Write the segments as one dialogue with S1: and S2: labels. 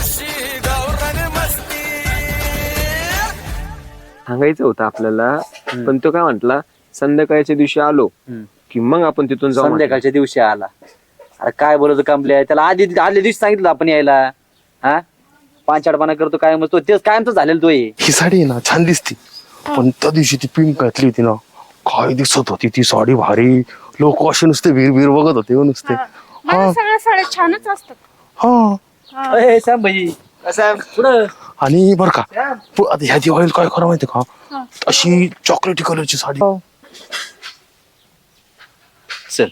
S1: सांगायचं होतं आपल्याला, पण तो काय म्हंटला, संध्याकाळच्या दिवशी आलो की मग आपण तिथून जाऊ.
S2: संध्याकाळच्या दिवशी आला, अरे काय बोलतो कंपल्या, त्याला आदल्या दिवशी सांगितलं आपण यायला. हा पांचाडपणा करतो काय, मग तो तेच कायमच झालेलं तो.
S3: ही साडी आहे ना छान दिसती, पण त्या दिवशी ती पिंक घातली होती ना, काय दिसत होती ती साडी भारी. लोक असे नुसते वीर बघत होते नुसते.
S4: मला सगळ्या साड्या छानच असतात.
S3: हा
S2: सॅम भाई पुढं.
S3: आणि बर का आता ह्या दिवाळीला काय करा माहिती का, अशी चॉकलेटी कलरची साडी.
S2: चल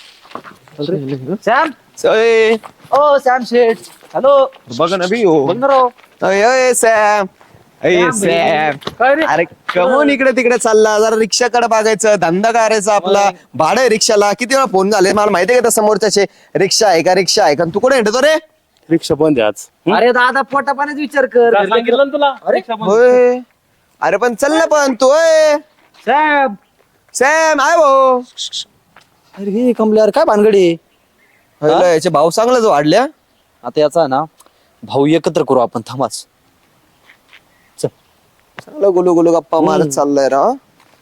S2: सॅम. ओ सॅम शेठ, हॅलो.
S1: बघ ना बी हो.
S2: बोल ना राव.
S1: सॅम. अरे कमून इकडे तिकडे चालला, जरा रिक्षाकडे बघायचं, धंदा करायचा आपला. भाडं आहे रिक्षाला, किती वेळा फोन झाले मला माहितीये का समोरच्याचे, रिक्षा आहे का रिक्षा आहे का. तू कुठे येतो रे.
S3: रिक्षा बंद आहे आज.
S2: अरे दादा पोटा पाण्याचा विचार कर.
S5: सांगितलं ना तुला.
S1: होय. अरे पण चल ना पण तू.
S2: सॅम.
S1: सॅम आहे भाऊ.
S2: अरे हे कमल्यावर काय भानगडी.
S1: याचे भाऊ चांगलाच वाढल्या.
S2: आता याचा ना भाऊ एकत्र करू आपण, थांबाच.
S1: चांगलं गुलू गुलू गप्पा मारत चाललाय रा.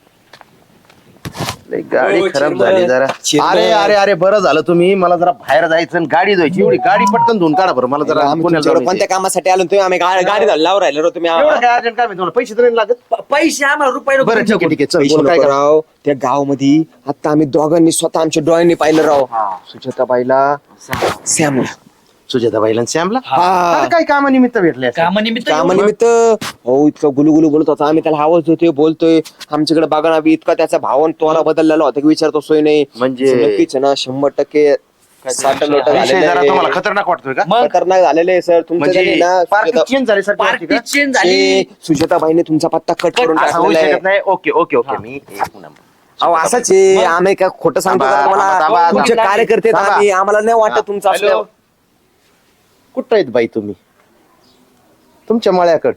S1: गाडी खराब झाली जरा.
S3: अरे अरे अरे बरं झालं तुम्ही, मला जरा बाहेर जायचं आणि गाडी धुवायची. एवढी गाडी पटकन धुवून काढा बरं मला जरा.
S1: कोणत्या कामासाठी आलो तुम्ही. आम्ही गाडी लावून राहिलो रे तुम्ही.
S3: अर्जंट काय तुम्हाला पैसे तर नाही लागत.
S2: पैसे आम्हाला रुपये
S3: बरं ठीक आहे ठीक आहे चल
S1: पैसे
S3: बोलू
S1: काय
S3: नका.
S1: कराव त्या गाव मध्ये आता आम्ही दोघांनी स्वतः आमच्या डोळ्यांनी पाहिलं राव. सुजाताबाईला, सॅमला.
S3: सुजाताबाईला आणि श्यामला
S1: हा.
S3: काय कामानिमित्त भेटले असतील.
S1: कामानिमित्त हो. इतकं गुलुगुलू बोलत होता, आम्ही त्याला आवाज देतोय बोलतोय. आमच्याकडे बघा ना बी, इतका त्याचा भावन तोला बदललेला होता की विचारतो सोय नाही.
S3: म्हणजे
S1: नक्कीच ना 100% 60%
S3: विषय जरा तुम्हाला
S1: झालेले.
S3: खतरनाक वाटतोय का.
S1: खतरनाक झालेले सर तुमचं
S3: म्हणजे
S1: त्यांनी ना.
S3: पार्टी चेंज झाली सर.
S2: पार्टी चेंज झाली.
S1: सुजाताबाईने तुमचा पत्ता कट करून
S3: असं होऊ
S1: टाकलेला आहे.
S3: शकत नाही. ओके ओके ओके मी एक नंबर.
S1: अहो असंच आहे. आम्ही काय खोटं सांगतो का तुम्हाला. तुमचे कार्यकर्ते आहेत आम्ही, आम्हाला नाही वाटत तुमचं असलं.
S3: कुठं आहेत बाई तुम्ही. तुमच्या मळ्याकड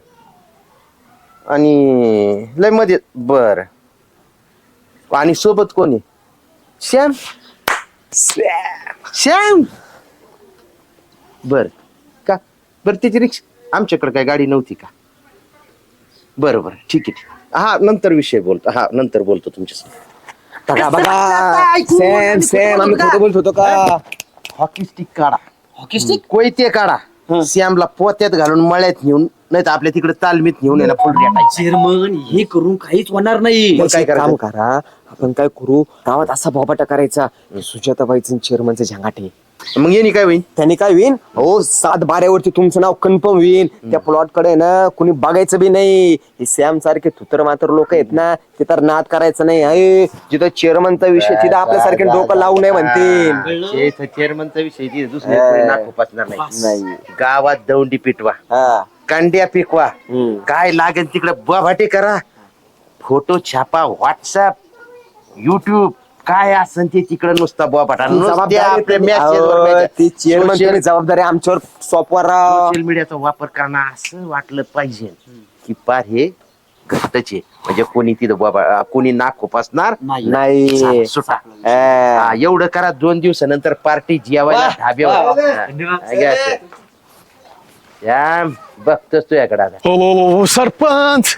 S3: आणि लय मध्ये बर. आणि सोबत कोणी. श्याम. श्याम बर का. बर त्याची रिक्षा आमच्याकडे काय गाडी नव्हती का. बरं बरं ठीक आहे ठीक आहे. हा नंतर विषय बोलतो. हा नंतर बोलतो तुमच्यासोबत.
S1: बघा बघा सॅम सॅम आम्ही खोटं बोलत होतो का.
S3: हॉकी स्टिक काढा.
S2: Hockey stick.
S3: कोयते काढा. श्यामला पोत्यात घालून मळ्यात नेऊन, नाही तर आपल्या तिकडे तालमीत नेऊन याला फुल रेटायचं.
S2: चेअरमन हे करून काहीच होणार नाही.
S1: काय काम करा आपण, काय करू गावात असा बोबाटा करायचा. सुजाताबाईचं चेअरमनचं झंगाटे.
S3: मग येणे काय होईल.
S1: त्यांनी काय होईल हो 7 बाऱ्यावरती तुमचं नाव कन्फर्म होईल. त्या प्लॉट कडे ना कुणी बघायचं बी नाही. हे सॅम सारखे थुतर मात्र लोक आहेत ना, ते तर नाद करायचं नाही. अरे जिथं चेअरमनचा विषय तिथं आपल्यासारखे डोकं लावू नये म्हणतील.
S3: चेअरमनचा विषय दुसरे नाक पासणार नाही. गावात दौंडी पिटवा, कांड्या पिकवा, काय लागेल तिकडे बभाटे करा. फोटो छापा, व्हॉट्सअप, युट्यूब, काय असेल ते तिकडे नुसता बभाटा.
S1: जबाबदारी आमच्यावर सॉफ्टवेअर
S3: सोशल मीडियाचा वापर करणं असं वाटलं पाहिजे की पार हे घट्टचे. म्हणजे कोणी तिथं बाबा कोणी नाक खुपासणार
S1: नाही.
S3: सुटा. एवढं करा. 2 दिवसानंतर पार्टी जेवायला ढाब्यावर. बघतोस तुझ्याकडे आता.
S5: हो सरपंच.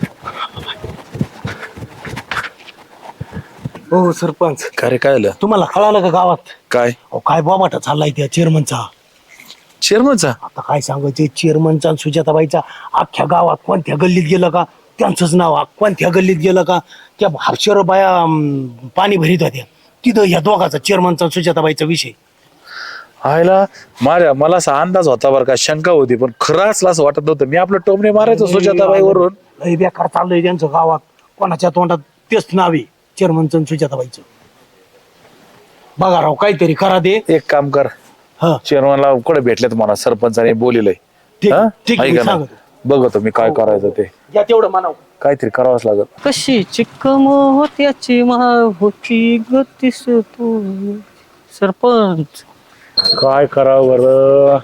S5: हो सरपंच.
S3: काय काय आलं
S5: तुम्हाला कळालं का गावात
S3: काय.
S5: काय बोमाटा चाललाय त्या चेअरमनचा.
S3: चेअरमनचा
S5: आता काय सांगायचं, चेअरमनचा आणि सुजाताबाईचा अख्ख्या गावात कोणत्या गल्लीत गेलं का त्यांचंच नाव. कोणत्या गल्लीत गेलं का त्या हर्षर बाया पाणी भरीत होत्या तिथं या दोघाचा चेअरमनचा सुजाताबाईचा विषय.
S6: आयला मला असा अंदाज होता बरं का, शंका होती, पण खरं असलं असं वाटत नव्हतं. मी आपलं टोमणे मारायचो सुजाताबाई वरून.
S5: लय बेकार चाललंय त्यांचं गावात. कोणाच्या तोंडात तेच नाव आहे चेअरमनचं आणि सुजाताबाईचं. बघा राव काहीतरी करा दे.
S6: एक काम कर, चेअरमनला कुठे भेटलेत मला सरपंचाने बोलिलंय.
S5: ठीक आहे, सांगतो.
S6: बघतो मी काय करायचं ते.
S5: या तेवढं म्हणावं.
S6: काहीतरी करावंच लागत.
S7: कशी चिक्कम होत्याची होती गतीस तू सरपंच.
S6: काय करावं बरं.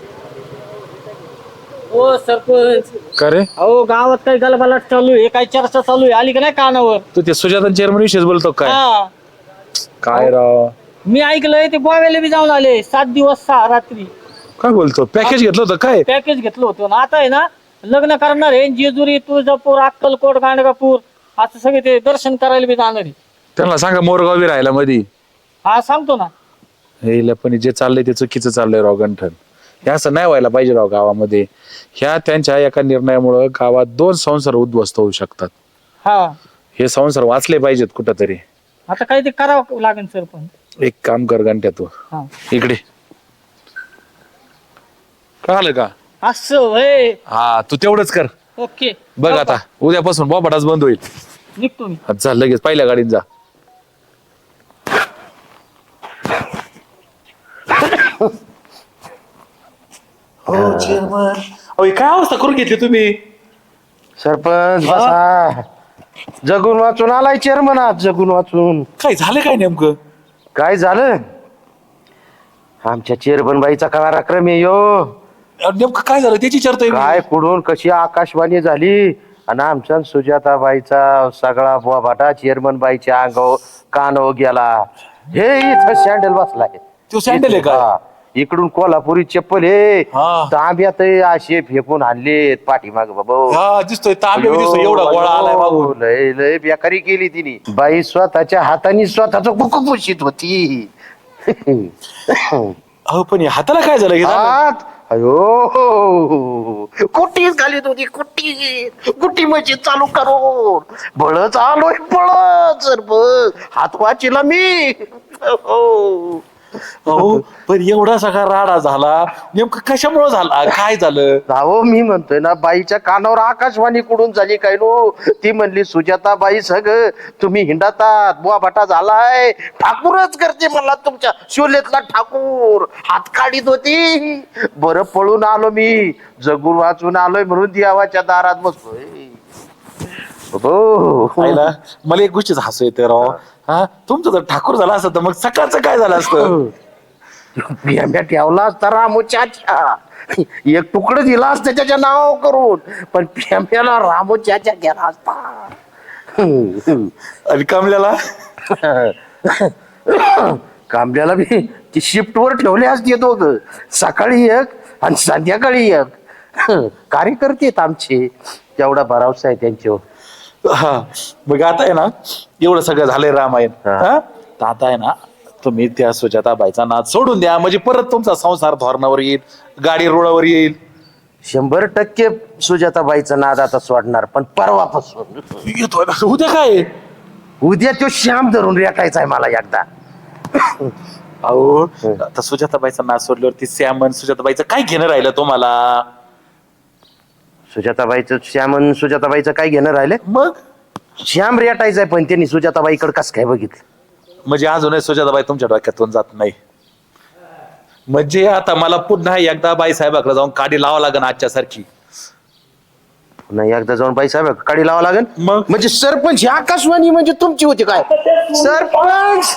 S7: ओ सरपंच.
S6: का रे.
S7: अहो गावात काही गलबलाट चालू आहे, काही चर्चा चालू आहे, आली का नाही कानावर.
S6: तू ते सुजाता चेअरमन विषयीच बोलतो काय. काय राव.
S7: मी ऐकलंय ते गोव्याला बी जाऊन आले 7 दिवस 6 रात्री.
S6: काय बोलतो पॅकेज घेतलं होतं काय
S7: पॅकेज घेतलं होतं ना आता आहे ना लग्न करणार आहे जेजुरी तुळजापूर अक्कलकोट गाणगापूर असं सगळे ते दर्शन करायला बी जाणार आहे.
S6: त्यांना सांगा मोरगावी राहायला मधी
S7: हा सांगतो ना.
S6: हे पण जे चाललंय ते चुकीचं चाललंय राव गंठन. हे असं नाही व्हायला पाहिजे राव गावामध्ये. ह्या त्यांच्या एका निर्णयामुळे गावात 2 संसार उद्ध्वस्त होऊ शकतात.
S7: हा
S6: हे संसार वाचले पाहिजेत कुठंतरी.
S7: आता काही ते करावं लागेल सर पण.
S6: एक काम कर गंठ्या तू
S7: हा
S6: इकडे कळालं का.
S7: असं होय.
S6: हा तू तेवढंच कर.
S7: ओके
S6: बघ आता उद्यापासून बोबाटाच बंद होईल.
S7: निघतो मी.
S6: आता चल लगेच पहिल्या गाडीत जा. हो चेअरमन काय अवस्था करून घेतली तुम्ही.
S3: सरपंच बसा. जगून वाचून आलाय चेअरमन आज. जगून वाचून
S6: काय झालं काय नेमकं.
S3: काय झालं. आमच्या चेअरमन बाईचा पराक्रम आहे यो.
S6: नेमकं काय झालं त्याची चर्चा आहे.
S3: काय कुठून कशी आकाशवाणी झाली आणि आमच्या सुजाताबाईचा सगळा बोबाटा चेअरमन बाईच्या अंगावर कानावर गेला. हे इथं सँडल बसलाय.
S6: तो सँडल आहे का.
S3: हा. इकडून कोल्हापुरी चप्पल हे
S6: हा.
S3: तांब्यात असे फेकून आणलेत पाठीमाग बाबा.
S6: हा दिसतोय तांबे दिसतोय एवढा गोळा आलाय मागून.
S3: लय लय बेकारी केली तिने. बाई स्वतःच्या हाताने स्वतःच कुकू पुशीत होती.
S6: अहो पण या हाताला काय झालं हे झालं?
S3: हात अयो कुट्टीच घालीत होती. कुट्टी म्हणजे चालू करून बळच आलोय बळच. सर बघ हात वाचीला मी.
S6: अहो पण एवढा सगळा राडा झाला नेमकं कशामुळे झाला काय झालं.
S3: अहो मी म्हणतोय ना बाईच्या कानावर आकाशवाणी कुठून झाली काय नो. ती म्हणली सुजाताबाई सग तुम्ही हिंडातात बुवाबाटा झालाय. ठाकूरच करते मला तुमच्या शोलेतला ठाकूर. हात काढीत होती. बरं पळून आलो मी. जगून वाचून आलोय म्हणून देवाच्या दारात बसलोय. हो
S6: पाहिला मला एक गोष्टीच हसू येते राव. हा तुमचं जर ठाकूर झाला असतं तर मग सकाळचं काय झालं असतं.
S3: बियाम्या ठेवला असता रामोच्याच्या. एक तुकडं दिला असतं त्याच्या नाव करून. पण बियाम्याला रामोच्याच्या गेला असता.
S6: आणि कमल्याला
S3: कांबल्याला बी ती शिफ्ट वर ठेवले असते दोघं. सकाळी एक आणि संध्याकाळी एक. कार्यकर्ते आहेत आमचे. तेवढा भरावसा आहे त्यांच्यावर.
S6: हा मग आता आहे ना एवढं सगळं झालंय रामायण.
S3: हा.
S6: हा? तर आता आहे ना तुम्ही त्या सुजाताबाईचा नाद सोडून द्या म्हणजे परत तुमचा संसार धोरणावर येईल. गाडी रुळावर येईल.
S3: 100% सुजाताबाईचा नाद आता सोडणार. पण परवापासून
S6: येतोय ना उद्या काय.
S3: उद्या तो श्याम धरून रेटायचा आहे मला एकदा.
S6: अहो आता सुजाताबाईचा नाद सोडल्यावरती श्यामन सुजाताबाईचं काय घेणं राहिलं तुम्हाला.
S3: सुजाताबाईचं काय घेणं राहिलं.
S6: मग
S3: श्याम रेटायचाय पण त्यांनी सुजाताबाईकडे कसं काय बघितलं.
S6: म्हणजे अजूनही सुजाताबाई तुमच्या डोक्यातून जात नाही. म्हणजे आता मला पुन्हा एकदा बाई साहेबाकडे जाऊन काडी लावा लागेल आजच्या सारखी.
S3: पुन्हा एकदा जाऊन बाईसाहेब काडी लावा लागेल.
S6: मग?
S3: म्हणजे सरपंच ही आकाशवाणी म्हणजे तुमची होती काय. सरपंच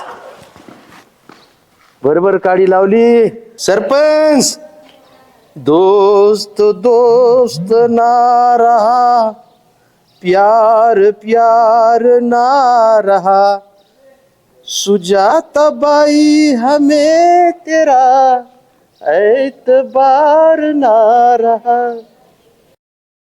S3: बरोबर काडी लावली. सरपंच दोस्त दोस्त ना रहा प्यार प्यार ना रहा सुजाताबाई हमें तेरा एतबार ना रहा.